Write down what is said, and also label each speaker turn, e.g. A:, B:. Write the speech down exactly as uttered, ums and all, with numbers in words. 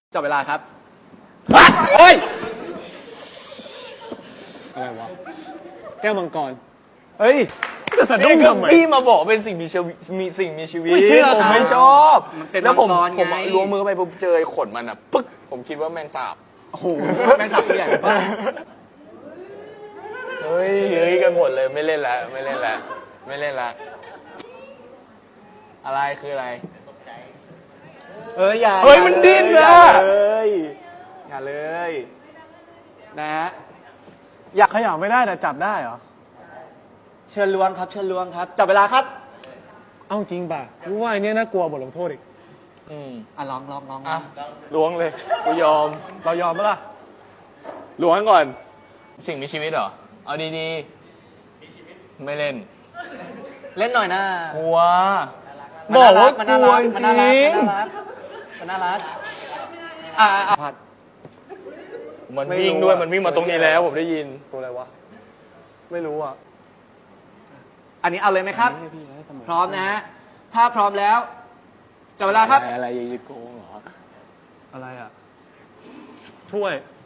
A: จับเวลาครับเฮ้ย
B: อะไรวะแก้วมังกร
A: เฮ้ย
B: จะสะดุ้งทำไม
C: พี่มาบอกเป็นสิ่งมีชีวิตมีสิ่งมีชีวิต
B: ไม่เชื่อ
C: ผม
B: ครับ
C: ไม่ชอบ
A: มันเป็น
C: แล้วผม
A: มังกร
C: ผม
A: ไง
C: ล้วงมือเข้าไปปุ๊บเจอไอ้ขนมันอ่ะปึ๊กผมคิดว่าแมงสาบ
A: โอ้โหแมงสาบตัวใหญ่มาก
C: เฮ้ยเฮ้ยกันหมดเลยไม่เล่นแล้วไม่เล่นแล้วไม่เล่นแล้วอะไรคืออะไร
A: เอ้ยอย่า
C: เฮ้ยมันดิ้น
A: อย่า
C: อะ
A: เลยอย่าเลย นะฮะ
B: อยากขยับไม่ได้แต่จับได้เหรอ
A: เชิญล้วงครับ เชิญล้วงครับ จับเวลาครับ
B: เอ้าจริงป่ะรู้ว่าไอ้เนี่ยน่ากลัวบทลงโทษอีก
C: อืม
A: อ่ะลองลองลอง
C: อ่ะล้วงเลยกูยอม
B: เรายอมไหมล่ะ
C: ล้วงก่อน สิ่งมีชีวิตเหรอเอาดีๆไม่เล่น
A: เล่นหน่อยนะ
C: กลัวบอกว่าก
A: มัน
C: ลั
A: น่าว รัก
C: จ
A: มันน่ารัก
C: ริง
A: มันน่ารักอ่ะอ่ะ
B: ผัด
C: มัน
B: ไม่
C: วิ่ง
B: รู้
C: ด้วย
B: อะ
C: มันวิ่งมาตรงนี้แล้วผมได้ยิน
B: ตัวอะไรวะ ไม่รู้อ่ะ
A: อันนี้เอาเลยไหมครับ
B: ให้พี่ให้เสมอ
A: พร้อมนะฮะ ถ้าพร้อมแล้ว จับเวลาครับ
C: อะไรยิโกงเหรอ
B: อะไรอ่ะ ถ้วย